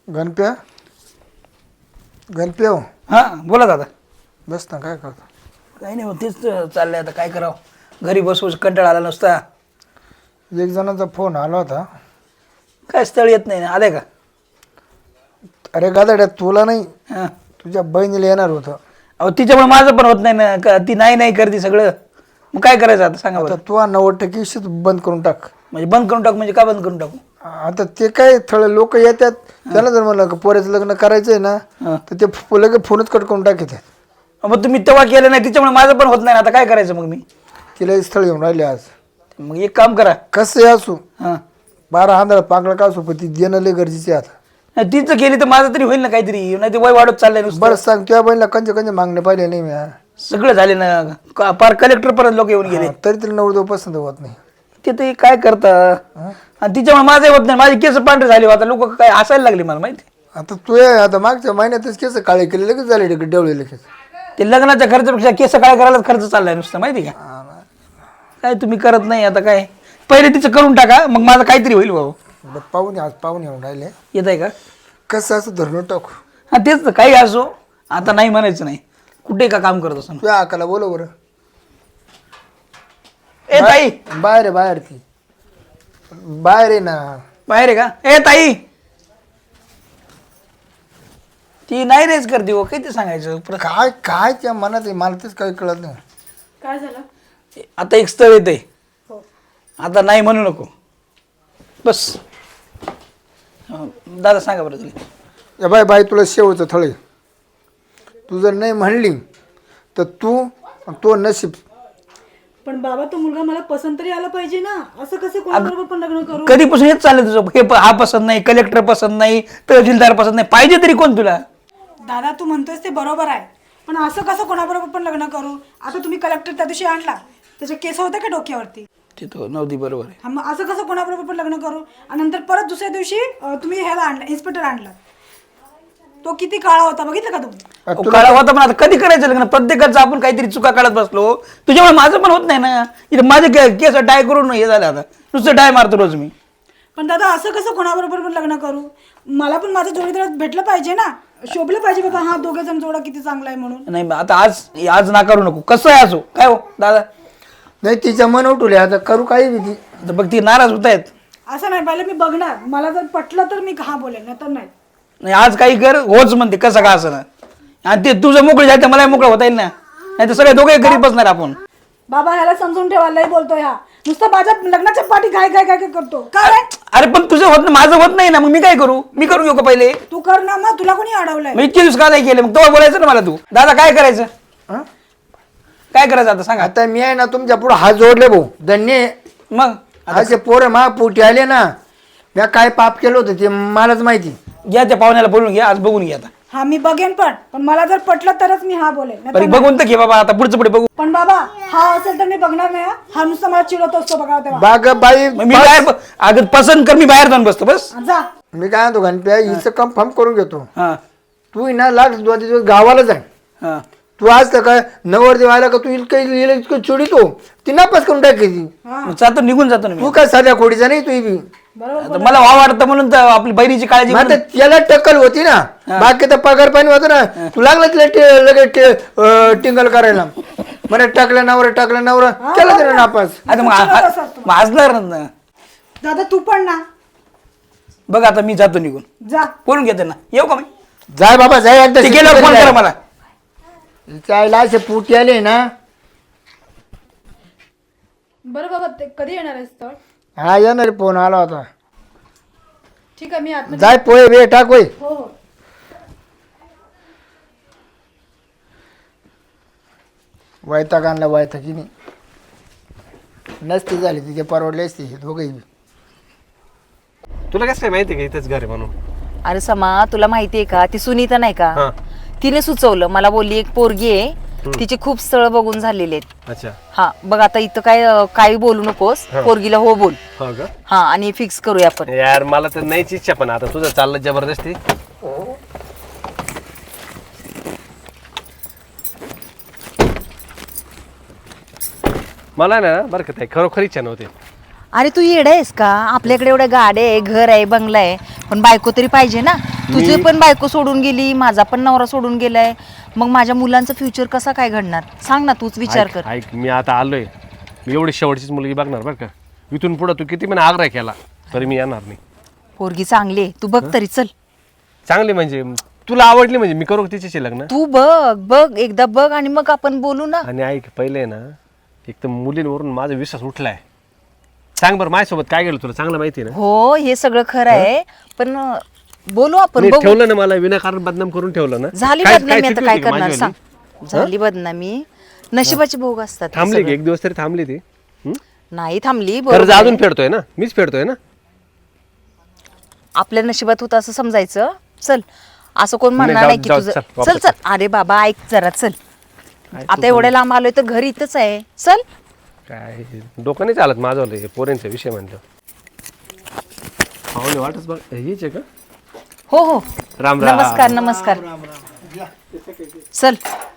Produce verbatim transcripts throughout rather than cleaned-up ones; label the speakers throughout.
Speaker 1: गणप्या गणप्या हो.
Speaker 2: हां बोला दादा.
Speaker 1: बस ना, काय करतो?
Speaker 2: काही नाही, तेच चाललंय आता काय करावं. घरी बसू कंटाळा आला नसता.
Speaker 1: एक जणाचा फोन आला होता.
Speaker 2: काय स्थळ येत नाही, आले का?
Speaker 1: अरे गादाड्या, तुला नाही,
Speaker 2: हां.
Speaker 1: तुझ्या बहिणीला येणार होतं.
Speaker 2: अहो तिच्यामुळे माझं पण होत नाही ना, का ती नाही नाही करते सगळं. मग काय करायचं आता सांगा
Speaker 1: आता
Speaker 2: बरं.
Speaker 1: तू नव्वद टक्के विषय बंद करून टाक.
Speaker 2: म्हणजे बंद करून टाकू म्हणजे का बंद करून टाकू?
Speaker 1: आता ते काय थोडे लोक येतात, त्याला जर म्हणलं पोऱ्याचं लग्न करायचंय ना,
Speaker 2: हां.
Speaker 1: तर ते लगेच फोनच कट करून टाकतात.
Speaker 2: मग तुम्ही तेव्हा केलं नाही, तिच्यामुळे माझं पण होत नाही ना. आता काय करायचं मग मी?
Speaker 1: तिला स्थळ येऊन राहिले आज.
Speaker 2: मग एक काम करा.
Speaker 1: कसं असू,
Speaker 2: हां.
Speaker 1: बारा आंधळा पांगला का असू, पण ती देणं लय गरजेचे आता.
Speaker 2: नाही तिचं केली तर माझं तरी होईल ना काहीतरी, नाही ते वय वाढत चाललंय नुसतं.
Speaker 1: बरं सांग, तुझ्या बहिणीला कंचे कंचे मागणे पाहिले नाही मी.
Speaker 2: सगळं झाले ना, का- पार कलेक्टर पर्यंत लोक येऊन गेले.
Speaker 1: हा, तरी तिला नवरदेव पसंत होत नाही.
Speaker 2: ते ते काय करता. आणि तिच्यामुळे माझं होत नाही. माझे केस पांढरे झाले, आता लोक काय हसायला लागले मला माहिती.
Speaker 1: आता तू ये, आता मागच्या महिन्यातच केस काळे केले, लगेच झाले डेवळे लगेच.
Speaker 2: ते लग्नाच्या खर्चापेक्षा केस काय करायला खर्च चाललाय नुसतं माहिती का. काय तुम्ही करत नाही आता काय. पहिले तिचं करून टाका, मग माझं काहीतरी होईल भाऊ.
Speaker 1: बरं, पाहुणे आज पाहुणे येऊन राहिले.
Speaker 2: येत आहे का?
Speaker 1: कसं असं धरून टाकू.
Speaker 2: हा तेच तर, काही असो आता नाही म्हणायचं नाही. कुठे का काम करत असं.
Speaker 1: तुझ्या आकाला बोलव बरं.
Speaker 2: ए ताई,
Speaker 1: बाहेर आहे, बाहेर ती बाहेर आहे ना.
Speaker 2: बाहेर आहे का? ए ताई, ती नाही रेच करते हो, किती सांगायचं.
Speaker 1: काय काय त्या मनात आहे, मला तेच काही कळत नाही.
Speaker 3: काय झालं?
Speaker 2: आता एक स्थळ येत आहे,
Speaker 3: हो.
Speaker 2: आता नाही म्हणू नको बस. अं, दादा सांगा बरं तुला.
Speaker 1: या बाय बाय, तुला शेवचं थळे. तू जर नाही म्हणली तर तू तो नशीब.
Speaker 3: पण बाबा, तो मुलगा मला पसंत तरी आला पाहिजे ना. असं कसं कोणाबरोबर पण लग्न करू?
Speaker 2: कधीपासून हेच चाललंय तुझं. हे प- हा पसंत नाही, कलेक्टर पसंत नाही, तहसीलदार पसंत नाही, पाहिजे तरी कोण तुला?
Speaker 3: दादा, तू म्हणतोयस ते बरोबर आहे, पण असं कसं कोणाबरोबर पण लग्न करू? आता तुम्ही कलेक्टर त्या दिवशी आणला, त्याचे केस होते का डोक्यावरती?
Speaker 2: ते तो नव्हती, बरोबर आहे.
Speaker 3: हा, मग असं कसं कोणाबरोबर पण लग्न करू? आणि नंतर परत दुसऱ्या दिवशी अं, तुम्ही ह्याला आणला, इन्स्पेक्टर आणला. तो किती काळा होता बघितलं का तुम्ही?
Speaker 2: अहो, काळा होता, पण आता कधी करायचं लग्न? प्रत्येकाचं आपण काहीतरी चुका काढत बसलो. तुझ्यामुळे माझं पण होत नाही ना. इथे माझे के- केस डाय करून हे झालं, आता नुसतं डाय मारतो रोज मी.
Speaker 3: पण दादा, असं कसं कोणाबरोबर पण लग्न करू? मला पण माझं जोडीदार भेटलं पाहिजे ना, शोभलं पाहिजे बाबा, हा दोघे जण जोडा किती चांगला आहे म्हणून.
Speaker 2: नाही आता आज आज नाकारू नको, कसं आहे असो. काय हो दादा,
Speaker 1: नाही, तिच्या मन उठवले, आता करू काही भीती.
Speaker 2: आता बघ ती नाराज होत आहेत.
Speaker 3: असं नाही, पहिले मी बघणार, मला जर पटलं तर मी हा बोलेन, नाही तर नाही.
Speaker 2: नाही आज काही कर, होच म्हणते, कसं का असं ना. आणि ते तुझं मोकळं जायचं, मला मोकळं होता येईल ना. नाही तर सगळे दोघे घरी बसणार आपण.
Speaker 3: बाबा, ह्याला समजून ठेवा, लय बोलतोय हा. नुसतं माझ्या लग्नाच्या पाठी काय काय काय काय करतो. काय रे?
Speaker 2: अरे पण तुझं होत नाही, माझं होत नाही ना, मग मी काय करू? मी करून घेऊ का पहिले?
Speaker 3: तू कर ना, मग तुला कोणी अडवलंय?
Speaker 2: मी इतके दिवस का नाही केले, मग तेव्हा बोलायचं ना मला तू. दादा काय करायचं?
Speaker 1: हं?
Speaker 2: काय करायचं आता सांगा.
Speaker 1: आता मी आहे ना तुमच्या पुढे हात जोडले भाऊ, धन्य.
Speaker 2: मग
Speaker 1: असे पोरं मा पोटी आले ना, मी काय पाप केलं होतं ते मलाच माहिती.
Speaker 2: घ्या त्या पाहुण्याला बोलून घ्या, आज बघून घ्या आता.
Speaker 3: हा, मी बघेन, पण पण मला जर पटलं तरच मी हा बोलेन, नाहीतर
Speaker 2: बरं
Speaker 3: नाही.
Speaker 2: बघून तर घे बाबा, आता पुढचं पुढे बघू.
Speaker 3: पण बाबा, हा असेल तर मी बघणार नाही. हा. हा नुसतं मला चिडवत असतो बघा तेव्हा.
Speaker 1: बाग बाई,
Speaker 2: मग मी बाहेर ब- अगं पसंत कर, मी बाहेर जाऊन बसतो बस.
Speaker 3: जा.
Speaker 1: मी काय म्हणतो गणप्या, हिचं कन्फर्म करून घेतो.
Speaker 2: हा
Speaker 1: तू ही ना लाख दोन दिवस गावाला जाय.
Speaker 2: हा.
Speaker 1: तू आज तर काय नवरदेव आला का तू इतकं इतकं चिडितो, ती नापास करून टाकायची.
Speaker 2: मग जातो, निघून जातो ना मी.
Speaker 1: तू काय साध्या खोडीचा नाही, तू बी.
Speaker 3: बरोबर.
Speaker 2: आता मला वाव वाटतं म्हणून तर आपली बहिणीची काळजी
Speaker 1: मग आता
Speaker 2: म्हणून.
Speaker 1: त्याला टक्कल होती ना, बाकी तर पगार पाणी होतं ना. तू लागला तिला टे- लगेच टे- अं, टिंगल करायला. मला टाकलं नवरा टाकलं नवरा केलं तिला नापास.
Speaker 2: आता मग हा- हा- मग हसणार ना.
Speaker 3: दादा, तू पण ना,
Speaker 2: बघ आता मी जातो निघून,
Speaker 3: जा.
Speaker 2: बोलून घेते ना. येऊ का मी?
Speaker 1: जाय बाबा जाय, एकदा
Speaker 2: ते गेल्यावर फोन करा मला.
Speaker 1: चायला असे पुटी आले ना.
Speaker 3: बरं बाबा, ते कधी येणार आहेस तर?
Speaker 1: हा येणार, फोन आला होता.
Speaker 3: ठीक आहे, मी आतमध्ये.
Speaker 1: जाय पोहे वे टाक होय.
Speaker 3: हो हो.
Speaker 1: वैताग आणला वैतागिनी नसती झाली, तिथे परवडले असते हे दोघंही.
Speaker 4: तुला कसं काय माहिती का इथंच घर आहे म्हणून?
Speaker 5: अरे समा, तुला माहितीये का ती सुनीता नाही का,
Speaker 4: हा.
Speaker 5: तिने सुचवलं मला, बोलली एक पोरगी आहे, तिचे खूप स्थळ बघून झालेले आहेत.
Speaker 4: अच्छा.
Speaker 5: हा बघ, आता इथं काय अं, काही बोलू नकोस, पोरगीला हो बोल.
Speaker 4: हो का?
Speaker 5: हा, आणि फिक्स करूया आपण.
Speaker 4: यार मला तर नाहीच इच्छा, पण आता तुझं चाललं जबरदस्ती. मला ना बरं का ताई, खरोखर इच्छा नव्हती.
Speaker 5: अरे तू येडा आहेस का? आपल्याकडे एवढ्या गाड्या आहे, घर आहे, बंगला आहे, पण बायको तरी पाहिजे ना. तुझे पण बायको सोडून गेली, माझा पण नवरा सोडून गेलाय, मग माझ्या मुलांचं फ्युचर कसा काय घडणार? सांग ना, तूच विचार
Speaker 4: ऐक
Speaker 5: कर.
Speaker 4: ऐक, मी आता आलोय, मी एवढी शेवटचीच मुलगी बघणार बरं का. इथून पुढं तू किती पण आग्रह केला तरी मी येणार नाही.
Speaker 5: पोरगी चांगली आहे, तू बघ तरी. चल
Speaker 4: चांगली म्हणजे तुला आवडली म्हणजे मी करू का तिच्याशी लग्न?
Speaker 5: तू बघ बघ एकदा बघ आणि मग आपण बोलू ना.
Speaker 4: आणि ऐक, पहिले ना एक तर मुलींवरून माझा विश्वास उठलाय. सांग बरं, माझ्यासोबत काय गेलं तुला चांगलं माहिती आहे ना?
Speaker 5: हो, हे सगळं खरं आहे, पण अं, बोलू आपण.
Speaker 4: नाही,
Speaker 5: बघू.
Speaker 4: ठेवलं ना मला विनाकारण बदनाम करून ठेवलं ना.
Speaker 5: झाली
Speaker 4: काय-
Speaker 5: बदनामी,
Speaker 4: काय
Speaker 5: आता
Speaker 4: चुकी
Speaker 5: काय
Speaker 4: होती का
Speaker 5: करणार
Speaker 4: माझीवाली?
Speaker 5: सांग? झाली बदनामी, नशिबाचे भोग असतात. हे
Speaker 4: थांबली की
Speaker 5: सगळं.
Speaker 4: एक दिवस तरी थांबली ती. हं?
Speaker 5: नाही थांबली,
Speaker 4: कर्ज
Speaker 5: बरोबर
Speaker 4: अजून
Speaker 5: आहे.
Speaker 4: फेडतोय ना, मीच फेडतोय ना.
Speaker 5: आपल्या नशिबात होतं असं समजायचं. चल, असं कोण म्हणणार
Speaker 4: नाही,
Speaker 5: नाही
Speaker 4: जाऊ-
Speaker 5: की
Speaker 4: जाऊ,
Speaker 5: तुझं.
Speaker 4: चल,
Speaker 5: चल
Speaker 4: वापस
Speaker 5: चल, अरे बाबा ऐक जरा, चल. आता एवढ्या लांब आलोय तर घर इथंच आहे. चल.
Speaker 4: काय डोकं नाही चालत माझं हे पोरींचा विषय म्हणलं. पाहुणे वाटच बघ, हीच आहे का?
Speaker 5: हो हो,
Speaker 4: राम राम.
Speaker 5: नमस्कार नमस्कार. चल.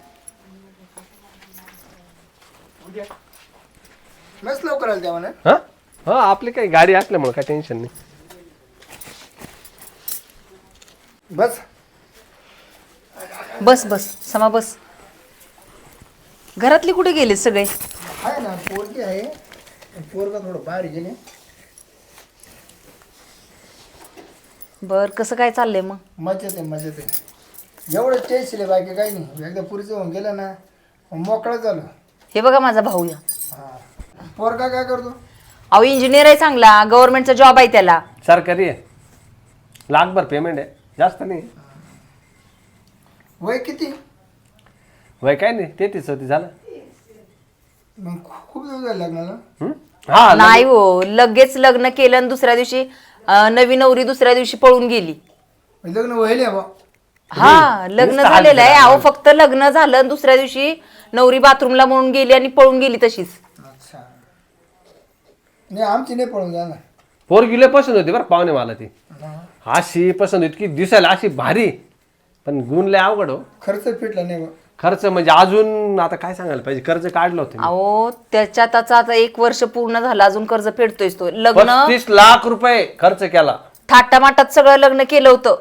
Speaker 1: मस्त लवकर आलं त्या म्हणा.
Speaker 4: हा हा, आपली काही गाडी असल्यामुळे काय टेन्शन नाही.
Speaker 1: बस
Speaker 5: बस बस समा बस. घरातली कुठे गेले सगळे?
Speaker 1: आहे ना, पोरगी आहे, पोरगा थोडं बाहेर गेले.
Speaker 5: बर, कसं काय चाललंय मग?
Speaker 1: मजेत आहे मजेत आहे. एवढं टेन्शन आहे, बाकी काही नाही. एकदा पुरीचं होऊन गेलं ना मोकळं झालं.
Speaker 5: हे बघा माझा भाऊ या.
Speaker 1: हा, पोरगा काय करतो?
Speaker 5: अहो इंजिनियर आहे, चांगला गव्हर्नमेंटचा जॉब आहे त्याला.
Speaker 4: सरकारी आहे, लाखभर पेमेंट आहे, जास्त नाही.
Speaker 1: वय किती?
Speaker 4: वय काय नाही, तेहतीस होती झालं.
Speaker 1: मग खूप दिवस झाले लग्नाला.
Speaker 4: हं? हा
Speaker 5: नाही हो, लगेच लग्न केलं आणि दुसऱ्या दिवशी अं, नवी नवरी दुसऱ्या दिवशी पळून गेली.
Speaker 1: लग्न व्हायले बा.
Speaker 5: हा, लग्न
Speaker 4: नुसतं
Speaker 5: झालेलं आहे.
Speaker 4: हात
Speaker 5: अहो फक्त लग्न झालं आणि दुसऱ्या दिवशी नवरी बाथरूमला म्हणून गेली आणि पळून गेली तशीच.
Speaker 1: अच्छा, नाही आमची नाही पळून जाणार.
Speaker 4: पोरगी लय पसंत होती बरं पाहुणे मला ती. अशी पसंत इतकी दिसायला अशी भारी, पण गुण लय अवघड हो.
Speaker 1: खर्च फिटला नाही बा.
Speaker 4: खर्च म्हणजे अजून आता काय सांगायला पाहिजे, कर्ज काढलं होतं मी.
Speaker 5: अहो त्याच्यात आता आता एक वर्ष पूर्ण झालं, अजून कर्ज फेडतोय तो. लग्न
Speaker 4: पस्तीस लाख रुपये खर्च केला.
Speaker 5: थाटामाटात सगळं लग्न केलं होतं,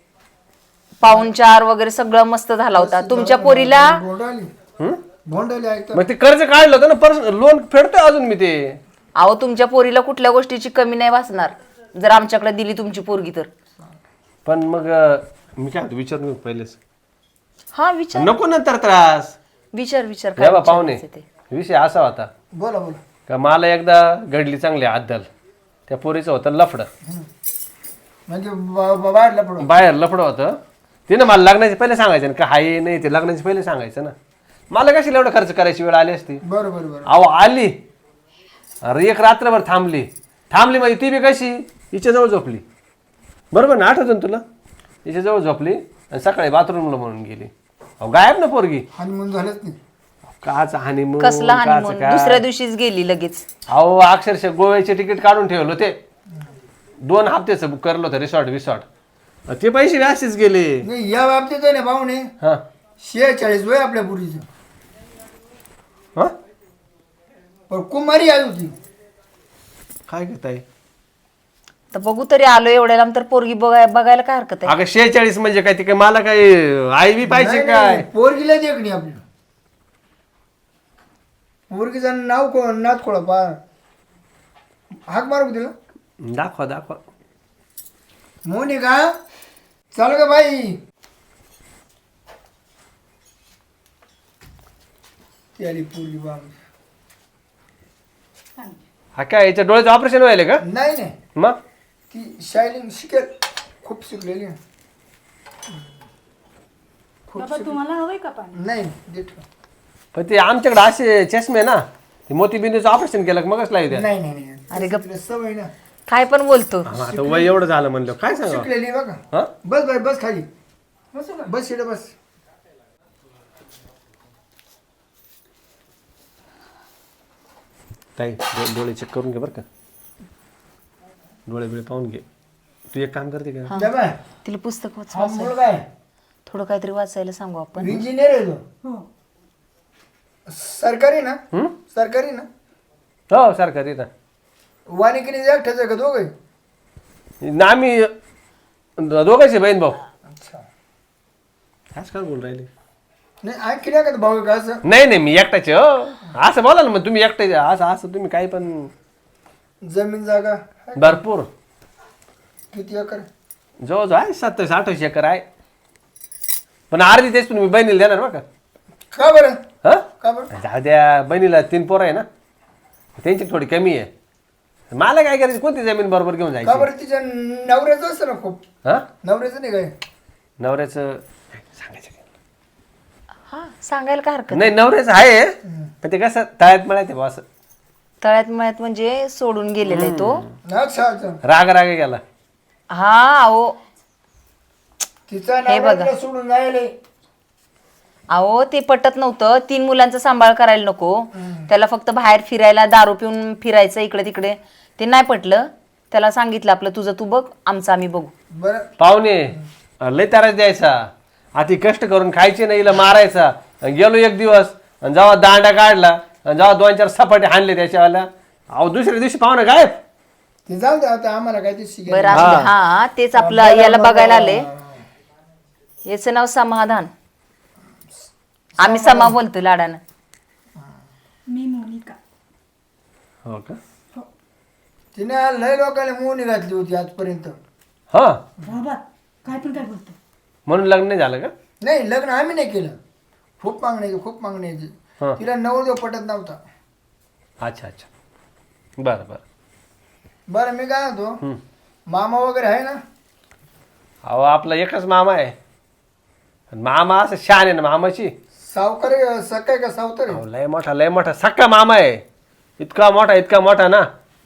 Speaker 5: पाहुणचार वगैरे सगळं मस्त झाला होता. तुमच्या पोरीला
Speaker 1: भोंडाली
Speaker 4: हं?
Speaker 1: भोंडाली ऐकतं.
Speaker 4: मग ते कर्ज काढलं होतं ना, पर्स लोन फेडतोय अजून मी ते.
Speaker 5: अहो तुमच्या पोरीला कुठल्या गोष्टीची कमी नाही वाचणार जर आमच्याकडे दिली तुमची पोरगी तर.
Speaker 4: पण मग अं, मी काय विचार मी पहिलेच
Speaker 5: हा विचार
Speaker 4: नको नंतर त्रास.
Speaker 5: विचार विचार
Speaker 4: या बा
Speaker 5: काय
Speaker 4: पाहुणे,
Speaker 5: विचारायचं ते.
Speaker 4: विषय असा होता
Speaker 1: बोला बोला.
Speaker 4: का मला एकदा घडली चांगली आदल. त्या पोरीचं होतं लफडं,
Speaker 1: म्हणजे ब- ब- बाहेरला पडून.
Speaker 4: बाहेर लफडं होतं. तिनं मला लग्नाचे पहिले सांगायचं ना, का हाय नाही ते लग्नाचे पहिले सांगायचं ना. मला कशी एवढं खर्च करायची वेळ आली असती.
Speaker 1: बरं बरं बरं.
Speaker 4: अहो आली, अरे एक रात्रभर थांबली थांबली म्हणजे ती बी कशी हिच्याजवळ झोपली. बरोबर ना, आठवतं ना तुला? हिच्याजवळ झोपली आणि सकाळी बाथरूमला म्हणून गेली. अहो गायब ना पोरगी.
Speaker 1: हनीमून झालंच नाही.
Speaker 4: काच हानिमून
Speaker 5: कसला
Speaker 4: काच
Speaker 5: हनीमून?
Speaker 4: काय.
Speaker 5: दुसऱ्या दिवशीच गेली लगेच.
Speaker 4: अहो अक्षरशः गोव्याचे तिकीट काढून ठेवलं होते, दोन हप्त्याचं बुक करलं होतं रिसॉर्ट विसॉर्ट. ते पैसे असेच गेले.
Speaker 1: नाही या बाबतीत आहे ना पाहुणे,
Speaker 4: हा
Speaker 1: शेहेचाळीस वय आपल्या पुरीचं.
Speaker 4: हा
Speaker 1: पण कुमारी आई होती.
Speaker 4: काय घेताय?
Speaker 5: तर बघू तरी आलो एवढ्या लांब तर पोरगी बघाय बघायला काय हरकत आहे?
Speaker 4: अगं शेहेचाळीस म्हणजे काय, ते काय मला काय आई बी पाहिजे
Speaker 1: नाही,
Speaker 4: काय?
Speaker 1: नाही, पोरगीला देखणी आपली. पोरगीचं नाव को नाथ खोळा पा हाक मारू तिला.
Speaker 4: दाखवा दाखवा.
Speaker 1: मोनिका चाल ग बाई. ती आली पोरगी बा.
Speaker 4: हा काय याच्या डोळ्याचं ऑपरेशन व्हायला का?
Speaker 1: नाही नाही,
Speaker 4: मग
Speaker 1: ती शायलिंग शिकेल, खूप शिकलेली आहे.
Speaker 3: बाबा तुम्हाला हवंय का पाणी?
Speaker 1: नाही देठ.
Speaker 4: पण ते आमच्याकडे असे चष्मे ना, ते मोतीबिंदूचं ऑपरेशन केलं का मगच लावू द्या.
Speaker 1: नाही नाही नाही.
Speaker 5: अरे गप.
Speaker 1: तिला सवय ना.
Speaker 5: काय पण बोलतो.
Speaker 4: हा, आता वय एवढं झालं म्हणलं काय सांगा.
Speaker 1: शिकलेली बघा.
Speaker 4: हा
Speaker 1: बस बाई बस खाली. बस इकडे बस.
Speaker 4: ताई डो- डोळे चेक करून घे बरं का, डोळे बिळे पाहून घे. तू एक काम करते का?
Speaker 1: जा बाय.
Speaker 5: तिला पुस्तक वाच
Speaker 1: हा
Speaker 5: वाचायला.
Speaker 1: मुलगा आहे,
Speaker 5: थोडं काहीतरी वाचायला सांगू आपण.
Speaker 1: इंजिनियर आहे तो.
Speaker 3: हो.
Speaker 1: सरकारी ना?
Speaker 4: हं?
Speaker 1: सरकारी ना?
Speaker 4: हो सरकारी ना.
Speaker 1: वानिकीने एकट्याच आहे का दोघे?
Speaker 4: ना आम्ही दोघांचे बहीण भाऊ
Speaker 1: अच्छा
Speaker 4: आज काय बोल राहिले
Speaker 1: नाही आणखी नाही का भाऊ का असं
Speaker 4: नाही नाही मी एकटाचे हो असं बोला ना मग तुम्ही एकटाचे असं असं तुम्ही काही पण
Speaker 1: जमीन जागा
Speaker 4: भरपूर
Speaker 1: किती एकर
Speaker 4: जवळजवळ आहे सत्तावीस अठ्ठावीस एकर आहे पण अर्धी तेच तुम्ही बहिणीला देणार बघा
Speaker 1: का बरं
Speaker 4: हा
Speaker 1: का बरं
Speaker 4: जाऊ द्या बहिणीला तीन पोरं आहे ना त्यांची थोडी कमी आहे मला काय करायचं कोणती जमीन बरोबर घेऊन
Speaker 1: का
Speaker 4: जायची
Speaker 1: बरं तिच्या नवऱ्याचं असतं ना खूप
Speaker 4: हा
Speaker 1: नवऱ्याचं नाही काय
Speaker 4: नवऱ्याचं सांगायचं काय?
Speaker 5: हा सांगायला काय हरकत
Speaker 4: नाही नवऱ्याचं आहे पण ते कसं तळ्यात मळ्यात आहे बुवा असं
Speaker 5: तळ्यात मळ्यात म्हणजे सोडून गेलेला आहे तो
Speaker 1: अच्छा अच्छा
Speaker 4: राग राग गेला
Speaker 5: हा अहो
Speaker 1: तिचा
Speaker 5: हे
Speaker 1: नवरा
Speaker 5: बघा.
Speaker 1: तिला सोडून जायले
Speaker 5: अहो ते पटत नव्हतं तीन मुलांचा सांभाळ करायला नको त्याला फक्त बाहेर फिरायला दारू पिऊन फिरायचं इकडे तिकडे ते नाही पटलं त्याला सांगितलं आपलं तुझं तू बघ आमचं आम्ही बघू
Speaker 1: बरं
Speaker 4: पाहुणे लय ताराच द्यायचा आधी कष्ट करून खायचे नाही हिला मारायचा आणि गेलो एक दिवस आणि जेव्हा दांडा काढला आणि जेव्हा दोन चार सपाटे हाणले त्याच्यावाला अहो दुसऱ्या दिवशी पाहुणे गायब
Speaker 1: ते जाऊ दे आता आम्हाला काय ते शिकायचं
Speaker 5: बरं असू दे. हा तेच आपलं याला बघायला आले याचं नाव समाधान आम्ही समा बोलतो लाडानं
Speaker 3: मी मोनिका
Speaker 4: हो का
Speaker 1: तिने लय लोकांना मोनी घातली होती आजपर्यंत
Speaker 4: हा
Speaker 3: बाबा काय पण काय बोलतो
Speaker 4: म्हणून लग्न नाही झालं का
Speaker 1: नाही लग्न आम्ही नाही केलं खूप मागण्याची खूप
Speaker 4: हा.
Speaker 1: मागण्याची तिला नवरदेव पटत नव्हता
Speaker 4: अच्छा अच्छा बरं बरं
Speaker 1: बरं मी काय म्हणतो मामा वगैरे आहे ना
Speaker 4: अहो आपला एकच मामा आहे आणि मामा असं शान आहे ना मामाची
Speaker 1: सावकार आहे, सकाय का सावतर आहे?
Speaker 4: अहो, लय मोठा लय मोठा सक्का मामा आहे इतका मोठा इतका मोठा ना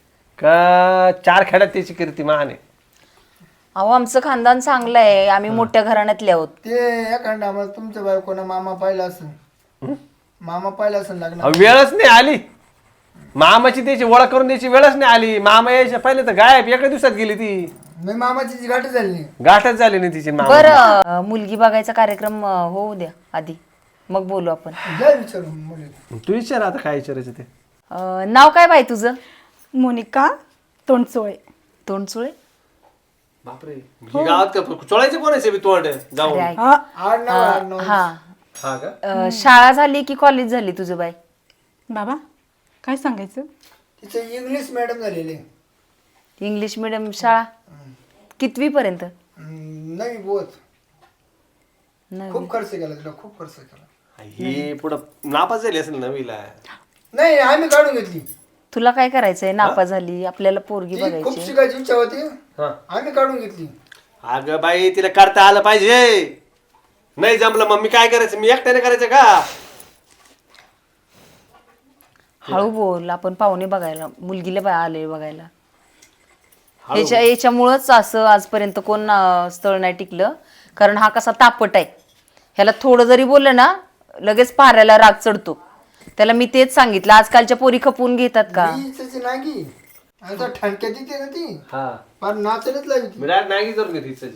Speaker 4: का चार खेड्यात त्याची कीर्ती मान आहे
Speaker 5: अहो आमचं खानदान चांगलं आहे आम्ही मोठ्या घराण्यातले आहोत
Speaker 1: ते एखादा आम्हाला तुमच्या बायकोनं मामा पाहिला असेल मामा पाहिला असेल लग्न
Speaker 4: अहो, वेळच नाही आली मामाची त्याची ओळख करून द्यायची वेळच नाही आली मामा यायच्या पहिले तर गायब एका दिवसात गेली ती
Speaker 1: मी मामाची जी गाठ झाली नाही.
Speaker 4: गाठच झाली नाही तिची मामा
Speaker 5: बरं मुलगी बघायचा कार्यक्रम अं, होऊ द्या आधी मग बोलू आपण
Speaker 1: जा विचारून मुली
Speaker 4: तू विचार आता काय विचारायचं ते
Speaker 5: अं, नाव काय बाई तुझं
Speaker 3: मोनिका तोंडचोळे
Speaker 5: तोंडचुळे
Speaker 4: बापरे गावात का चोळायचं कोणाचे बी तोंड जाऊन
Speaker 5: अरे ऐक.
Speaker 3: हा
Speaker 1: आठ नऊ आठ नऊ
Speaker 5: हा
Speaker 4: हा का
Speaker 5: अं, शाळा झाली की कॉलेज झाली तुझं बाई
Speaker 3: बाबा काय सांगायचं
Speaker 1: तिचे इंग्लिश मॅडम झालेले
Speaker 5: इंग्लिश मिडियम शाळा कितवी पर्यंत
Speaker 1: नाही बोत
Speaker 5: नववी.
Speaker 1: खूप खर्च केला तिला खूप खर्च केला
Speaker 4: ही पुढं नापास झाली असेल नवीला
Speaker 1: नाही आम्ही काढून घेतली
Speaker 5: तुला काय करायचंय नापा झाली आपल्याला पोरगी
Speaker 1: ती खूप
Speaker 5: बघायची
Speaker 1: शिकायची इच्छा होती
Speaker 4: हा
Speaker 1: आम्ही काढून घेतली
Speaker 4: अगं बाई तिला करता आलं पाहिजे नाही जमलं मग मी काय करायचं मी एकट्याने करायचं का
Speaker 5: हळू बोल आपण पाहुणे बघायला मुलगीला बा- आले बघायला याच्या याच्यामुळंच असं आजपर्यंत कोण अं, स्थळ नाही टिकलं कारण हा कसा तापट आहे ह्याला थोडं जरी बोललं ना लगेच पाऱ्याला राग चढतो त्याला मी तेच सांगितलं आजकालच्या पोरी खपवून घेतात का
Speaker 1: तिची नागी आता ठणक्यात येते ना ती
Speaker 4: हा
Speaker 1: फार नाचलच लागली ती.
Speaker 4: मी डायरेक्ट नाही करून घेतली तिची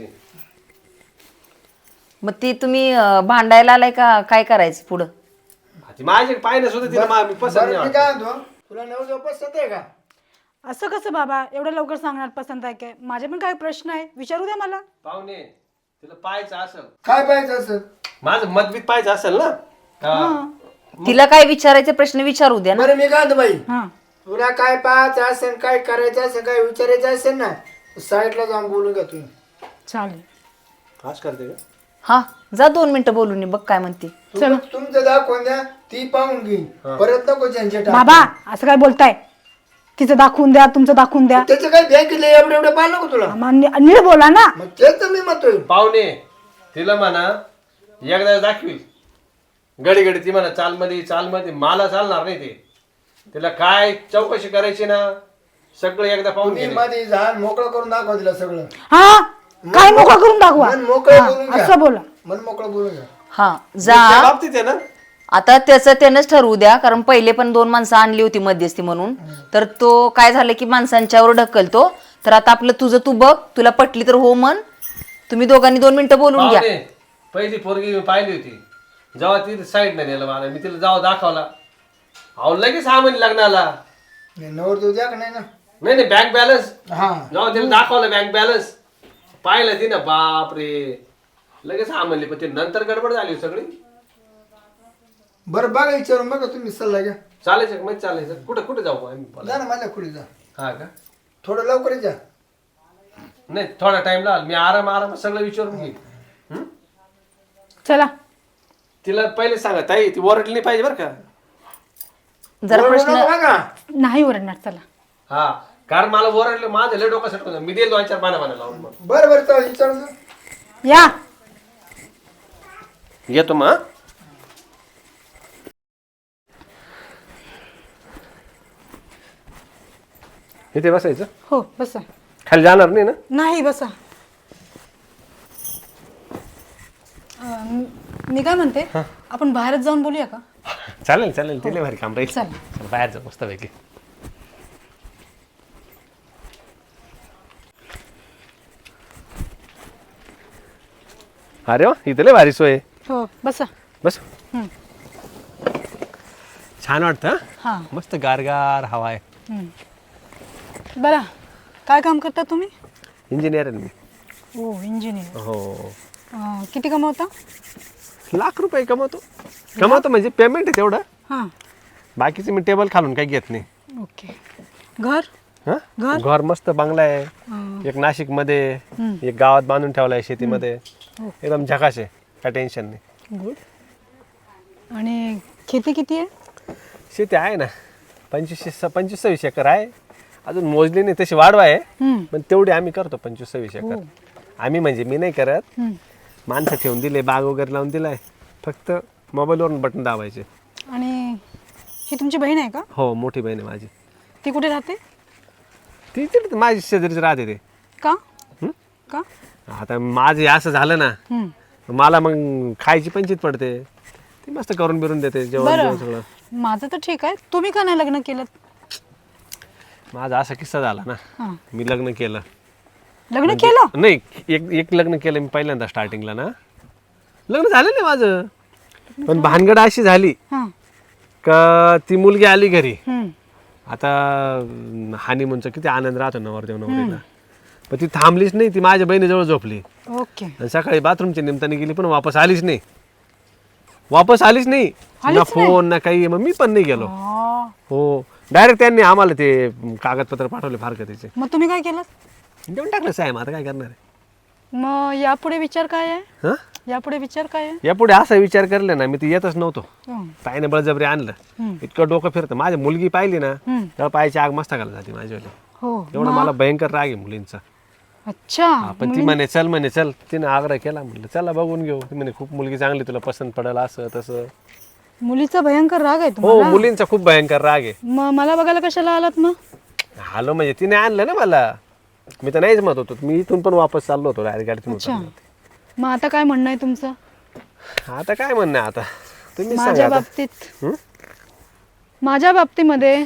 Speaker 5: मग ती तुम्ही अं, भांडायला आलाय का काय करायचं पुढं
Speaker 4: ती माझे पाहिलं सुद्धा तिला मा- मी पसंत नाही
Speaker 1: बरं मी
Speaker 4: वाटत.
Speaker 1: काय म्हणतो तुला नवरदेव पसंत आहे का
Speaker 3: असं कसं बाबा एवढं लवकर सांगणार पसंत आहे काय माझे पण काय प्रश्न आहे विचारू द्या मला
Speaker 4: पाहुणे तिला पाहायचं असेल
Speaker 1: काय पाहिजे असं
Speaker 4: माझं मतभेद पाहायचं असेल ना हा.
Speaker 5: तिला काय विचारायचे प्रश्न विचारू द्या ना
Speaker 1: बरं मी काय म्हणतो बाई
Speaker 3: हा
Speaker 1: तुला काय पाहायचं असेल काय करायचं असेल काय विचारायचं असेल ना साईडला जाऊन बोलून घ्या तुम्ही
Speaker 3: चालेल
Speaker 4: आज करते का
Speaker 5: हा जा दोन मिनिटं बोलून ये, बघ काय म्हणते
Speaker 1: तुम- तुमचं दाखवून द्या ती पाहून घेईन परत नको झंझट
Speaker 3: बाबा असं काय बोलताय तिचं दाखवून द्या तुमचं दाखवून द्या
Speaker 1: त्याचं काय बँकेतले एवढं एवढं पाहिलं नको तुला
Speaker 3: आम्हा- नि- नीट बोला ना
Speaker 1: मग तेच तर मी म्हणतोय
Speaker 4: पाहुणे तिला म्हणा एकदा दाखवी गडी गडी ती म्हणा चालमध्ये चालमध्ये मला चालणार नाही ते तिला काय चौकशी करायची ना सगळं एकदा पाहून
Speaker 1: तुम्ही
Speaker 4: घे
Speaker 1: मध्ये झाड मोकळं करून दाखवा तिला सगळं
Speaker 3: हा काय मोकळं करून दाखवा
Speaker 1: मन मोकळं
Speaker 3: हा,
Speaker 1: बोलून घ्या
Speaker 3: असं बोला
Speaker 1: मन मोकळं बोलून घ्या
Speaker 5: हा
Speaker 4: त्या
Speaker 5: जा
Speaker 4: बाबतीत आहे ना
Speaker 5: आता त्याचं त्यानंच ठरवू द्या कारण पहिले पण दोन माणसं आणली होती मध्यस्थी म्हणून तर तो काय झालं की माणसांच्यावर ढकलतो तर आता आपलं तुझं तू बघ तुला पटली तर हो म्हण तुम्ही दोघांनी दोन मिनिटं बोलून घ्या
Speaker 4: पाहुणे पहिली पोरगी मी पाहिली होती जेव्हा ती साईड नाही नेलं मला मी तिला जावं दाखवला अहो लगेच हा म्हणे लग्नाला
Speaker 1: नाही, नवरदेव द्या का नाही ना
Speaker 4: नाही नाही बँक बॅलन्स
Speaker 1: हा
Speaker 4: जेव्हा तिला दाखवलं बँक बॅलन्स पाहिलं ती ना, बाप रे लगेच हा म्हणली, पण ते नंतर गडबड झाली हो सगळी.
Speaker 1: बरं बघा विचारून बघा तुम्ही सल्ला घ्या.
Speaker 4: चालायचं म्हणजे चालायचं. कुठं कुठे जाऊ आम्ही बोला.
Speaker 1: जा ना माझ्या खोली जा,
Speaker 4: हा का?
Speaker 1: थोडं लवकर जा.
Speaker 4: नाही थोडा टाइम लागला, मी आराम आराम सगळं विचारून घेईन. हं?
Speaker 5: चला
Speaker 4: तिला पहिले सांगा ताई, ती ओरडली नाही पाहिजे बरं का.
Speaker 5: जरा
Speaker 1: बरोबर
Speaker 5: प्रश्न
Speaker 1: नको बघा.
Speaker 3: नाही ओरडणार, चला.
Speaker 4: हा कारण मला ओरडलं, माझं लय डोकं सटकून मी देईल दोन चार पाना पाना लावून. मग
Speaker 1: बरं बरं चला विचारून जा.
Speaker 3: या.
Speaker 4: येतो मग. इथे बसायचं,
Speaker 3: हो बसा.
Speaker 4: खाली जाणार नाही ना.
Speaker 3: नाही बसा. अं, मी काय म्हणते, आपण बाहेरच जाऊन बोलूया का?
Speaker 4: चालेल चालेल, तिला भारी काम राहील.
Speaker 3: चला.
Speaker 4: चल, बाहेर जाऊ मस्त पैकी. अरे वा, इथे लय भारी सोय आहे.
Speaker 3: हो बसा.
Speaker 4: बस.
Speaker 3: हं.
Speaker 4: छान वाटतं हं?
Speaker 3: हां.
Speaker 4: मस्त गारगार हवा आहे.
Speaker 3: बरं, काय काम करता तुम्ही?
Speaker 4: इंजिनियर आहे मी.
Speaker 3: हो इंजिनियर.
Speaker 4: हो.
Speaker 3: अं, किती कमावता?
Speaker 4: लाख रुपये कमवतो. कमवतो म्हणजे पेमेंट आहे तेवढं.
Speaker 3: हां.
Speaker 4: बाकीचं मी टेबल खालून काही घेत नाही.
Speaker 3: ओके. घर?
Speaker 4: हं?
Speaker 3: घर?
Speaker 4: घर मस्त बंगला आहे. एक नाशिक मध्ये, एक गावात बांधून ठेवला आहे शेतीमध्ये. एकदम झकाश आहे, काय टेन्शन नाही.
Speaker 3: गुड. आणि खेती किती आहे?
Speaker 4: शेती आहे ना, पंचवीस पंचवीस सव्वीस एकर आहे. अजून मोजली नाही, तशी वाढवा आहे.
Speaker 3: हं.
Speaker 4: पण तेवढी आम्ही करतो, पंचवीस सव्वीस एकर. आम्ही म्हणजे मी नाही करत,
Speaker 3: हं.
Speaker 4: माणसं ठेवून दिले, बाग वगैरे लावून दिलाय. फक्त मोबाईलवरून बटन दाबायचे.
Speaker 3: आणि ही तुमची बहीण आहे का?
Speaker 4: हो, मोठी बहीण आहे माझी.
Speaker 3: ती कुठे राहते?
Speaker 4: ती तिथे माझी शेजारीच राहते ते.
Speaker 3: का?
Speaker 4: हं?
Speaker 3: का?
Speaker 4: आता माझं हे असं झालं ना,
Speaker 3: हं.
Speaker 4: मला मग खायची पंचित पडते. ती मस्त करून बिरून देते जेवण
Speaker 3: बरं.
Speaker 4: जेवण सगळं.
Speaker 3: माझं तर ठीक आहे, तुम्ही का नाही लग्न केलं?
Speaker 4: माझा असा किस्सा झाला ना,
Speaker 3: हां.
Speaker 4: मी लग्न केलं.
Speaker 3: लग्न केलं?
Speaker 4: नाही, एक एक लग्न केलं मी पहिल्यांदा स्टार्टिंगला ना. लग्न झालं नाही माझं, पण भानगड अशी झाली
Speaker 3: हां.
Speaker 4: का ती मुलगी आली घरी.
Speaker 3: हं.
Speaker 4: आता हानिमूनचा किती आनंद राहतो नवरदेव नवरीला, पण ती थांबलीच नाही. ती माझ्या बहिणीजवळ झोपली
Speaker 3: ओके.
Speaker 4: आणि सकाळी बाथरूमच्या निमित्ताने गेली, पण वापस आलीच नाही. वापस आलीच नाही, ना फोन ना काही. मग मी पण नाही गेलो.
Speaker 3: आ,
Speaker 4: हो, डायरेक्ट त्यांनी आम्हाला ते कागदपत्र पाठवले फार का त्याचे,
Speaker 3: मग तुम्ही काय केलं?
Speaker 4: देऊन टाकलं. साहेब आता काय करणार आहे.
Speaker 3: मग यापुढे विचार काय आहे?
Speaker 4: हां,
Speaker 3: यापुढे विचार काय आहे?
Speaker 4: यापुढे असा विचार करले ना, मी तर येतच नव्हतो.
Speaker 3: हं.
Speaker 4: ताईने बळजबरी आणलं.
Speaker 3: हं.
Speaker 4: इतकं डोकं फिरतं. माझी मुलगी पाहिली ना,
Speaker 3: हं.
Speaker 4: तेव्हा पायाची आग मस्तकाला जाते माझ्यावाली.
Speaker 3: हो.
Speaker 4: एवढं मला भयंकर राग आहे मुलींचा.
Speaker 3: अच्छा.
Speaker 4: हा, पण ती म्हणे चल, म्हणे चल. तिने आग्रह केला, म्हटलं चला बघून घेऊ. ती म्हणे खूप मुलगी चांगली, तुला पसंत पडेल, असं तसं.
Speaker 3: मुलीचा भयंकर राग आहे
Speaker 4: हो,
Speaker 3: तुम्हाला?
Speaker 4: मुलींचा खूप भयंकर राग आहे.
Speaker 3: मग मला बघायला कशाला आलात मग?
Speaker 4: आलो म्हणजे तिने आणलं ना मला. मी तर नाहीच म्हणत होतो. मी इथून पण वापस चाललो होतो डायरेक्ट गाडीतून
Speaker 3: अच्छा.
Speaker 4: उतरलो.
Speaker 3: मग आता काय म्हणणं आहे तुमचं
Speaker 4: आता काय म्हणणं आहे आता, तुम्ही
Speaker 3: माझ्या
Speaker 4: सांगा आता.
Speaker 3: बाबतीत?
Speaker 4: हं?
Speaker 3: माझ्या बाबतीमध्ये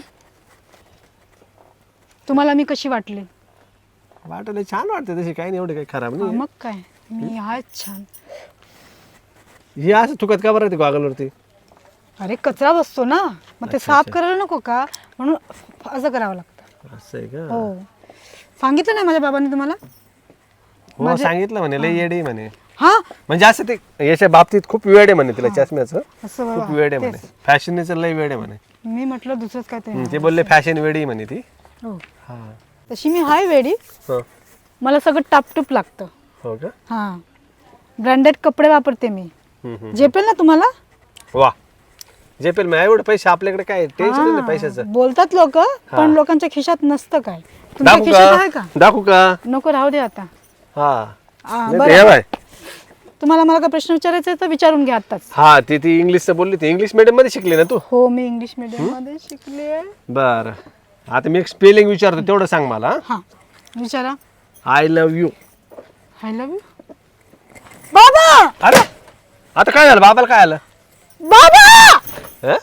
Speaker 3: तुम्हाला मी कशी वाटली?
Speaker 4: वाटायला छान वाटते तशी, काही नाही, एवढे काही खराब
Speaker 3: हा,
Speaker 4: नाही.
Speaker 3: मग काय, मी आहेच छान.
Speaker 4: ही असं चुकत का बरं ते गॉगलवरती?
Speaker 3: अरे कचरा बसतो ना, मग ते साफ करायला नको का, म्हणून असं करावं लागतं.
Speaker 4: असं आहे का?
Speaker 3: हो. सांगितलं नाही माझ्या बाबांनी तुम्हाला?
Speaker 4: हो, सांगितलं म्हणे लय येडे म्हणे.
Speaker 3: हा,
Speaker 4: म्हणजे असं ते याच्या बाबतीत खूप वेळ आहे म्हणे तिला चष्म्याचं.
Speaker 3: असं
Speaker 4: खूप
Speaker 3: बाबा.
Speaker 4: वेळ आहे म्हणे. फॅशनचं लय वेळ आहे म्हणे.
Speaker 3: मी म्हटलं दुसरंच काय ते.
Speaker 4: हं, ते बोलले फॅशन वेडी म्हणे ती.
Speaker 3: हो.
Speaker 4: हा.
Speaker 3: तशी मी हाय वेडी,
Speaker 4: हो.
Speaker 3: मला सगळं टापटूप लागतं.
Speaker 4: हो का?
Speaker 3: हा, ब्रँडेड कपडे वापरते मी.
Speaker 4: हं, हं.
Speaker 3: झेपेल ना तुम्हाला?
Speaker 4: वा, झेपेल मग. एवढे पैसे आपल्याकडे काय टेन्शन नाही पैशाचं.
Speaker 3: बोलतात लोक, पण लोकांच्या खिशात नसतं काय. तुमच्या
Speaker 4: दाखवू
Speaker 3: खिशात आहे
Speaker 4: का?
Speaker 3: का?
Speaker 4: दाखवू का?
Speaker 3: नको, राहू दे आता.
Speaker 4: हा.
Speaker 3: आ,
Speaker 4: नाही तर
Speaker 3: बरं.
Speaker 4: हे बाय.
Speaker 3: तुम्हाला मला काय प्रश्न विचारायचा आहे तर विचारून घ्या आताच.
Speaker 4: हा, ती ती इंग्लिशचं बोलली. ती इंग्लिश मीडियम मध्ये शिकली ना तू?
Speaker 3: हो, मी इंग्लिश मीडियम मध्ये शिकले.
Speaker 4: बरं, आता मी एक स्पेलिंग विचारतो, तेवढं सांग मला.
Speaker 3: हा, विचारा.
Speaker 4: I love you.
Speaker 3: I love you. बाबा,
Speaker 4: अरे आता काय झालं? बाबाला काय आलं?
Speaker 3: बाबा,
Speaker 4: हं?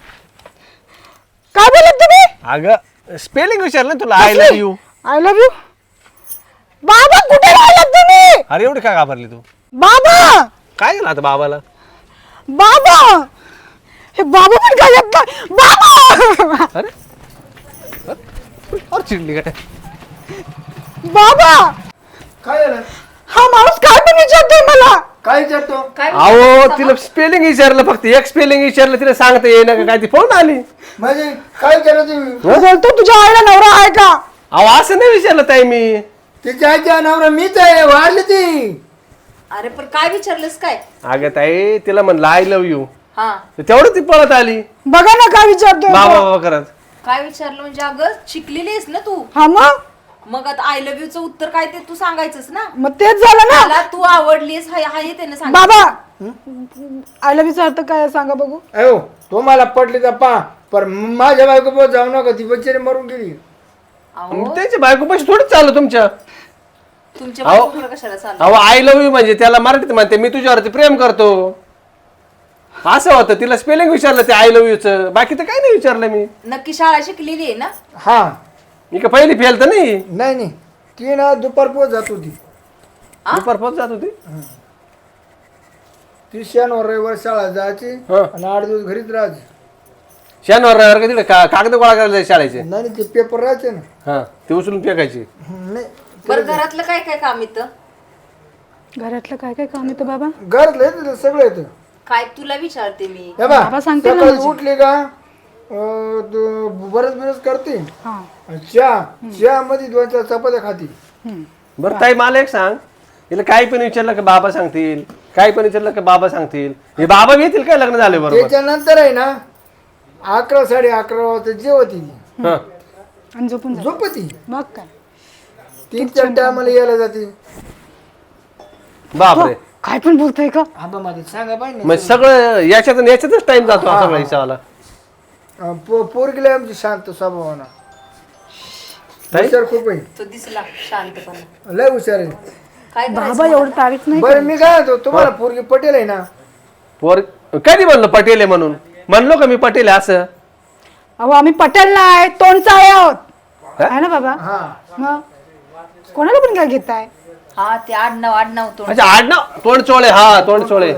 Speaker 3: काय बोलत तुम्ही?
Speaker 4: अगं स्पेलिंग विचारलं ना तुला. I love you.
Speaker 3: I love you. बाबा, कुठे राहिलात तुम्ही?
Speaker 4: अरे एवढी काय घाबरली तू?
Speaker 3: बाबा,
Speaker 4: काय झालं आता बाबाला?
Speaker 3: बाबा, हे बाबा पण काय येत नाही. बाबा,
Speaker 4: अरे और चिडली काय?
Speaker 3: बाबा,
Speaker 1: काय झालं?
Speaker 3: विचारतोय मला?
Speaker 1: काय विचारतो?
Speaker 5: काय
Speaker 4: अहो तिला स्पेलिंग विचारलं फक्त एक स्पेलिंग विचारलं तिला सांगता येईना का काय ती पळून आली
Speaker 1: म्हणजे काय विचारतो तुम्ही?
Speaker 3: बोलतो तुझ्या आईला नवरा आहे का?
Speaker 4: अहो असं नाही विचारलं ताई मी
Speaker 1: तिच्या आईच्या नवरा मीच आहे, वाढली ती.
Speaker 5: अरे पण काय विचारलंस काय?
Speaker 4: अगं ताई तिला म्हणलं आय लव्ह यू
Speaker 5: हा
Speaker 4: तेवढं ती पळत आली
Speaker 3: बघा ना काय विचारतोय
Speaker 4: बाबा
Speaker 3: तो.
Speaker 4: बाबा करत
Speaker 5: काय विचारलं म्हणजे अगं शिकलेली आहेस ना तू,
Speaker 3: हा मग
Speaker 5: मग आता आय लव्ह यूचं उत्तर काय ते तू सांगायचंच ना.
Speaker 3: मग तेच झालं ना.
Speaker 5: मला तू आवडलीस हाय हाय त्याने सांग.
Speaker 3: बाबा आय लव्ह यूचा अर्थ काय आहे सांगा बघू.
Speaker 1: अयो तुम्हाला पटली तर पा पर माझ्या बायको पण जाऊ नका, ती बच्चेने मरून गेली.
Speaker 5: अहो
Speaker 4: त्याची बायको पैसे थोडंच चाललं तुमच्या
Speaker 5: तुमच्या बायकोकडे कशाला चाललं?
Speaker 4: अहो आय लव्ह यू म्हणजे त्याला मराठीत म्हणते मी तुझ्यावरती प्रेम करतो असं होतं. तिला स्पेलिंग विचारलं ते आय लव्ह यूच, बाकी तर काही नाही विचारलं मी.
Speaker 5: नक्की शाळा शिकलेली आहे ना?
Speaker 1: हा
Speaker 4: मी का पहिली फेल तर नाही
Speaker 1: नाही नाही ती ना दुपार पोच जात होती.
Speaker 4: दुपार पोहोच जात होती.
Speaker 1: ती शनिवार रविवार शाळा जायची
Speaker 4: हा.
Speaker 1: आणि आठ दिवस घरीच राहायची.
Speaker 4: शनिवार रविवार तिकडे का कागद गोळा करायला जायचे शाळेचे.
Speaker 1: नाही नाही, ते पेपर राहायचे ना.
Speaker 4: हा ते उचलून फेकायची.
Speaker 1: हं, नाही
Speaker 5: बरं घरातलं काय काय काम येतं?
Speaker 3: घरातलं काय काय काम येतं बाबा?
Speaker 1: घरातलं येतं सगळं येतं.
Speaker 5: काय तुला विचारते मी.
Speaker 1: हे बा,
Speaker 3: बाबा सांगते ना
Speaker 1: सकाळी
Speaker 3: म्हणजे.
Speaker 1: उठली का अं, तो बरंच बरंच करते
Speaker 3: हा
Speaker 1: आणि चहा चहा मध्ये दोन चार चपात्या खाती.
Speaker 3: हम्म.
Speaker 4: बरं ताई मला एक सांग, हिला काही पण विचारलं का बाबा सांगतील, काही पण विचारलं का बाबा सांगतील, हे बाबा बी येतील काय लग्न झाले बरोबर.
Speaker 1: त्याच्यानंतर आहे ना अकरा साडे अकरा वाजता जेवती ती,
Speaker 4: हा
Speaker 3: आणि झोपून जा.
Speaker 1: झोपती.
Speaker 3: मग काय
Speaker 1: तीन चार टायमाला यायला जाते.
Speaker 4: बापरे
Speaker 3: काय पण बोलतोय का?
Speaker 1: आबा माझे सांगा पाहिजे
Speaker 4: मग सगळं याच्यातून याच्यातच टाइम जातो हा सगळा हिसाबाला.
Speaker 1: पोरगीला आमची शांत स्वभावाना
Speaker 4: ताई?
Speaker 1: हुशार खूप आहे,
Speaker 5: तो दिसला शांतपणा.
Speaker 1: लय हुशार आहे.
Speaker 5: काय
Speaker 3: बाबा एवढं तारीफ नाही.
Speaker 1: बरं मी काय म्हणतो तुम्हाला पोरगी पटेल आहे ना?
Speaker 4: पोर कधी म्हणलं पटेल आहे म्हणून, म्हणलो का मी पटेल आहे असं.
Speaker 3: अहो आम्ही पटेल नाही तोंडचाळे आहोत
Speaker 4: हा?
Speaker 3: आहे ना बाबा?
Speaker 1: हा
Speaker 3: मग कोणाला पण काय घेताय?
Speaker 5: हा ते आडनाव आडनाव तोंड.
Speaker 4: अच्छा आडनाव तोंड चोळे, हा तोंड चोळे.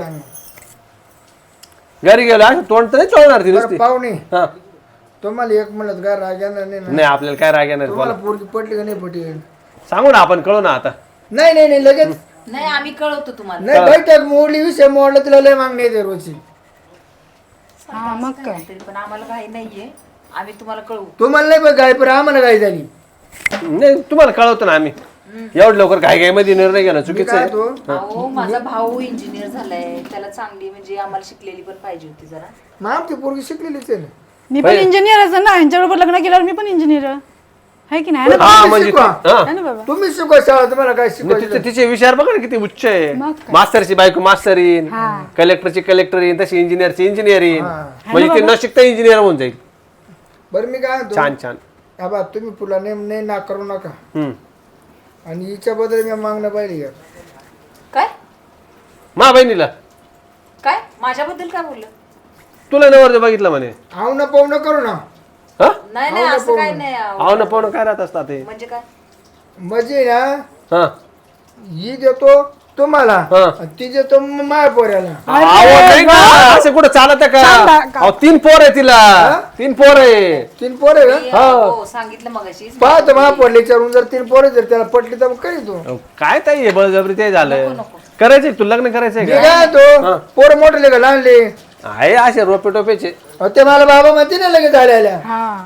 Speaker 4: घरी गेलो असं तोंड तर नाही चोळणार ती
Speaker 1: बरं
Speaker 4: नुसती.
Speaker 1: पाहुणे
Speaker 4: हा
Speaker 1: तुम्हाला एक म्हणत काय राग येणार नाही ना?
Speaker 4: नाही आपल्याला काय राग येणार
Speaker 1: तुम्हाला
Speaker 4: बोला.
Speaker 1: पोरगी पटली का नाही पटेल?
Speaker 4: सांगू ना आपण कळू ना आता.
Speaker 1: नाही नाही नाही लगेच
Speaker 5: नाही आम्ही कळवतो तुम्हाला.
Speaker 1: नाही बैठक मोडली विषय मोडला तिला लय मागणी येते रोजची.
Speaker 3: हा मग काय?
Speaker 5: तरी पण आम्हाला काही नाहीये, आम्ही तुम्हाला कळवू.
Speaker 1: तुम्हाला नाही बघ गाय पण आम्हाला गाय झाली.
Speaker 4: नाही तुम्हाला कळवतो ना आम्ही. एवढं लवकर घाई घाई मध्ये निर्णय घेणं
Speaker 1: मी
Speaker 4: चुकीचं
Speaker 1: काय
Speaker 4: आहे.
Speaker 1: तो
Speaker 5: अहो माझा भाऊ इंजिनियर झालाय, त्याला चांगली म्हणजे आम्हाला शिकलेली पण पाहिजे होती जरा.
Speaker 1: मग आमची पोरगी शिकलेलीच आहे ना.
Speaker 3: मी पण इंजिनियर असं ना यांच्याबरोबर लग्न केल्यावर मी पण इंजिनियर आहे की नाही ना?
Speaker 4: हा
Speaker 1: तुम्ही
Speaker 4: म्हणजे
Speaker 1: शिकवा.
Speaker 4: हा.
Speaker 3: आहे ना बाबा?
Speaker 1: तुम्ही शिकवा शाळा, तुम्हाला काय
Speaker 4: नाही,
Speaker 1: शिकवायचं?
Speaker 4: तिचे तिचे विचार बघा ना किती उच्च आहे.
Speaker 3: मग काय?
Speaker 4: मास्तरची बायको मास्तर येईन,
Speaker 3: हा.
Speaker 4: कलेक्टरची कलेक्टर येईन, तशी इंजिनियरची इंजिनियर येईन.
Speaker 1: हा.
Speaker 4: म्हणजे ते न शिकता इंजिनियर होऊन जाईल.
Speaker 1: बरं मी काय म्हणतो
Speaker 4: छान छान.
Speaker 1: आबा तुम्ही पुला नेम नाही ना करू नका
Speaker 4: हम्म.
Speaker 1: आणि हिच्या बद्दल मी मागणं पाहिजे.
Speaker 5: काय
Speaker 4: मा बहिणीला
Speaker 5: काय माझ्याबद्दल काय बोललं?
Speaker 4: तुला नवर बघितलं म्हणे.
Speaker 1: आव ना पाहू न करू ना.
Speaker 4: हा
Speaker 5: नाही नाही असं काय नाही अहो.
Speaker 4: आव ना पाहुणं काय राहत असतात ते.
Speaker 5: म्हणजे काय?
Speaker 1: म्हणजे ना
Speaker 4: हा
Speaker 1: ही देतो तुम्हाला
Speaker 4: हा.
Speaker 1: आणि ती देतो म- माझ्या पोऱ्याला.
Speaker 4: अहो, नाही का? असं कुठं चालत का?
Speaker 3: चालतं का?
Speaker 4: अहो, तीन पोर आहे तिला, तीन पोर आहे.
Speaker 1: तीन पोरे का
Speaker 5: मी, हो सांगितलं मगाशी.
Speaker 1: पाहतो मला पडले विचारून जर तीन पोरे जर त्याला पटली तर मग करीतो.
Speaker 4: अहो, काय ताई आहे बळजबरी ते झालं.
Speaker 5: नको, नको.
Speaker 4: करायचंय तू लग्न करायचंय
Speaker 1: मी
Speaker 4: का?
Speaker 1: काय तो पोरं मोठले का लहानले
Speaker 4: आहे असे रोपे टोपेचे.
Speaker 1: अहो, ते मला बाबा म्हणते ना लगेच झालेल्या
Speaker 3: हा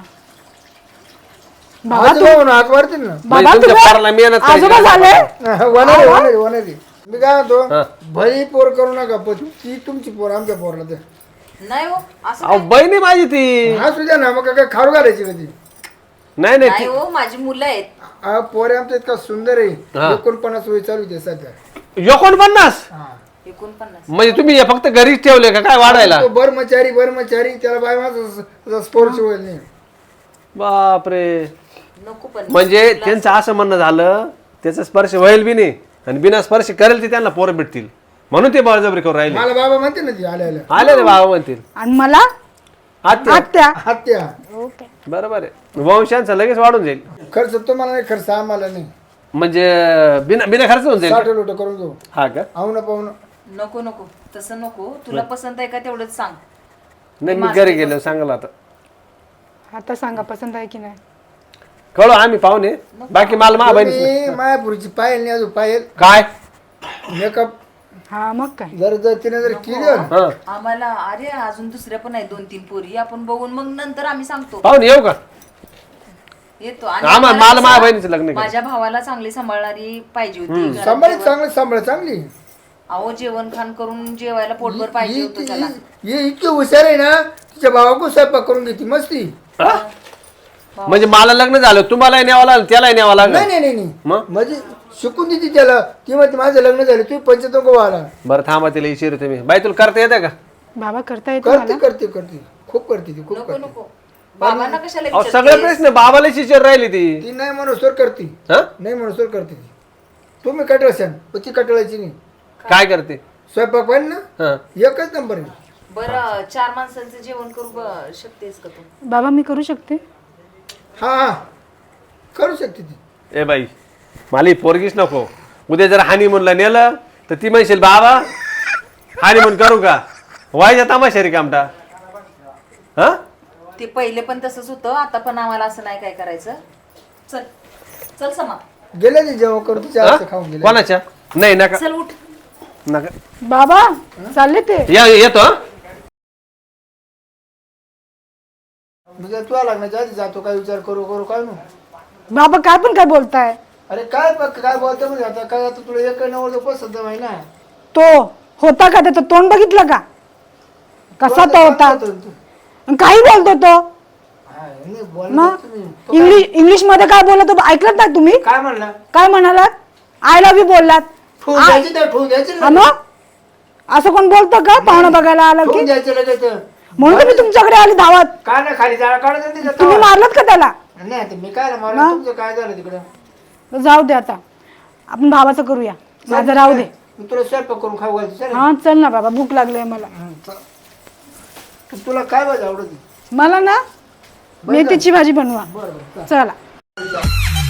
Speaker 3: बाबा
Speaker 1: आजोबा म्हणून हाक मारतील ना.
Speaker 3: बाबा
Speaker 4: म्हणजे तुमच्या
Speaker 3: तुम्ही
Speaker 4: पोराला मेहनत करायची.
Speaker 3: आजोबा झाले?
Speaker 1: वनारे वनारे वनारे मी काय म्हणतो
Speaker 4: हा.
Speaker 1: भली पोर करू नका पण ती तुमची पोर आमच्या पोरला तर
Speaker 5: नाही हो असं
Speaker 4: अहो बहिणी माझी ती.
Speaker 1: हा तुझ्या ना मग काय खारू घालायची कधी.
Speaker 4: नाही नाही
Speaker 5: नाही हो माझी मुलं आहेत.
Speaker 1: हा पोरे आमचा इतका सुंदर
Speaker 4: हा.
Speaker 1: आहे एकोणपन्नास वय चालू आहे सध्या.
Speaker 4: ती एकोणपन्नास
Speaker 1: हा.
Speaker 5: एकोणपन्नास.
Speaker 4: म्हणजे तुम्ही हे फक्त घरीच ठेवले का काय वाढायला?
Speaker 1: तो बर्मचारी बर्मचारी त्याला बाय माझा स्पोर्ट्स होईल नाही.
Speaker 4: बापरे.
Speaker 5: नको पण
Speaker 4: म्हणजे त्यांचं असं म्हणणं झालं त्याचा स्पर्श होईल बी नाही आणि बिना स्पर्श करेल ते त्यांना पोरं भेटतील म्हणून ते बळजबरी करून राहिले.
Speaker 1: मला बाबा म्हणते ना ती आल्याला
Speaker 4: आले रे बाबा म्हणतील.
Speaker 3: आणि मला
Speaker 4: आत्या.
Speaker 3: आत्या
Speaker 1: हत्या
Speaker 3: ओके
Speaker 4: बरोबर आहे. वंशांचा लगेच वाढून जाईल.
Speaker 1: खर्च तुम्हाला नाही खर्च आम्हाला नाही.
Speaker 4: म्हणजे बिना बिना खर्च होऊन जाईल
Speaker 1: साठ
Speaker 4: का?
Speaker 1: लोट करून घेऊ
Speaker 4: हा का?
Speaker 1: आऊ ना पाहू ना.
Speaker 5: नको नको तसं नको. तुला पसंत आहे का तेवढंच सांग.
Speaker 4: नाही मी घरी गेलो सांगाल आता.
Speaker 3: आता सांगा पसंत आहे की नाही?
Speaker 4: कळू आम्ही पाहुणे बाकी मला मा बहिणी
Speaker 1: तुम्ही मायापुरीची पायल नाही अजून पायल
Speaker 4: काय
Speaker 1: मेकअप
Speaker 3: हा मग काय
Speaker 1: जर जर तिने जर केलं
Speaker 4: हा
Speaker 5: आम्हाला अरे अजून दुसऱ्या पण आहे दोन तीन पोरी आपण बघून मग नंतर आम्ही सांगतो
Speaker 4: पाहून येऊ का
Speaker 5: येतो आणि
Speaker 4: आम्हा-
Speaker 5: आम्हाला
Speaker 4: मला माझ्या
Speaker 5: कसं,
Speaker 4: बहिणीचं लग्न करायचं.
Speaker 5: माझ्या भावाला चांगली सांभाळणारी पाहिजे होती घरात
Speaker 1: सांभाळ
Speaker 5: जेवण-
Speaker 1: चांगलं सांभाळ चांगली
Speaker 5: अहो जेवण खाण करून जेवायला पोटभर पाहिजे
Speaker 1: ही-
Speaker 5: होतं त्याला
Speaker 1: ही ही इतकी हुशार आहे ना तिच्या भावाकडून स्वयंपाक करून घेते मस्ती
Speaker 4: म्हणजे मला लग्न झालं तुम्हालाही न्यावं लागलं त्यालाही न्यावं लागलं
Speaker 1: नाही नाही नाही नाही
Speaker 4: मग
Speaker 1: म्हणजे शिकून देते त्याला ती म्हणते माझं लग्न झालं तुम्ही पंचायत व्हायला
Speaker 4: बरं थांबा तिला इशिरू तुम्ही बाई तुला करता येते का
Speaker 3: बाबा करता येतो
Speaker 1: करते करते करते खूप करते ती खूप
Speaker 5: नको
Speaker 1: करते
Speaker 5: नको बाबांना कशाला
Speaker 4: अहो,
Speaker 5: विचारतेस?
Speaker 4: सगळे प्रश्न बाबाला शिचर राहिली ती
Speaker 1: ती नाही मनसोर करते
Speaker 4: हा
Speaker 1: नाही मनसोर करते ती तुम्ही कटळशान पण ती कटळायची नाही
Speaker 4: काय करते
Speaker 1: स्वयंपाक पाहिजे ना
Speaker 4: हा
Speaker 1: एकच नंबर आहे
Speaker 5: बरं चार माणसांचं जेवण करू ब- शकतेस का तू
Speaker 3: बाबा मी करू शकते
Speaker 1: हा हा करू शकते ती
Speaker 4: ए बाई मला ही पोरगीच नको उद्या जर हानिमूनला नेलं तर ती म्हणशील बाबा हानिमून करू का व्हायच्या तमाशा रे कामटा हा
Speaker 5: ते पहिले पण तसंच होतं आता पण आम्हाला असं नाही काय करायचं चल चल समा
Speaker 1: गेले ते जेव्हा करू तिच्या
Speaker 4: हा?
Speaker 1: हातचं खाऊन गेले
Speaker 4: कोणाच्या नाही नका
Speaker 5: चल उठ
Speaker 4: नका
Speaker 3: बाबा चालले ते
Speaker 4: या येतो हा?
Speaker 1: म्हणजे तुला लग्नाच्या आधी जातो काय विचार करू करू काय नु
Speaker 3: बाबा काय पण काय बोलताय
Speaker 1: अरे काय बघ काय बोलतो म्हणजे आता काय आता तुला एक नवर पसंत आहे ना
Speaker 3: तो होता का त्याचं तोंड बघितलं का कसा तो होता आणि काही बोलतो तो
Speaker 1: हा, नाही, बोला
Speaker 3: मग
Speaker 1: तुम्ही.
Speaker 3: इंग्लिश इंग्लिश मध्ये काय बोलतो ऐकलं ना तुम्ही
Speaker 1: काय म्हणला
Speaker 3: काय म्हणालात आय लव्ह यू बोललात
Speaker 1: ठेवून द्यायची तर ठेवून द्यायची
Speaker 3: हा
Speaker 1: ना.
Speaker 3: मग असं कोण बोलतं का पाहुणं बघायला आलं की
Speaker 1: ठेवून द्यायचं लगेच
Speaker 3: म्हणून तुम्ही तुमच्याकडे आली धावत
Speaker 1: काय ना खाली जाळा काढत नाही तिथं.
Speaker 3: तुम्ही मारलात का त्याला
Speaker 1: नाही आता मी काय मारलं तुमचं काय झालं तिकडं
Speaker 3: जाऊ दे आता आपण भावाचं करूया माझं राहू दे
Speaker 1: मी तुला स्वयंपाक करून खाऊ घालते चल
Speaker 3: हा चल ना बाबा भूक लागली मला
Speaker 1: तुला काय भाजी आवडत
Speaker 3: मला ना मेथीची भाजी बनवा
Speaker 1: बरं बरं
Speaker 3: चला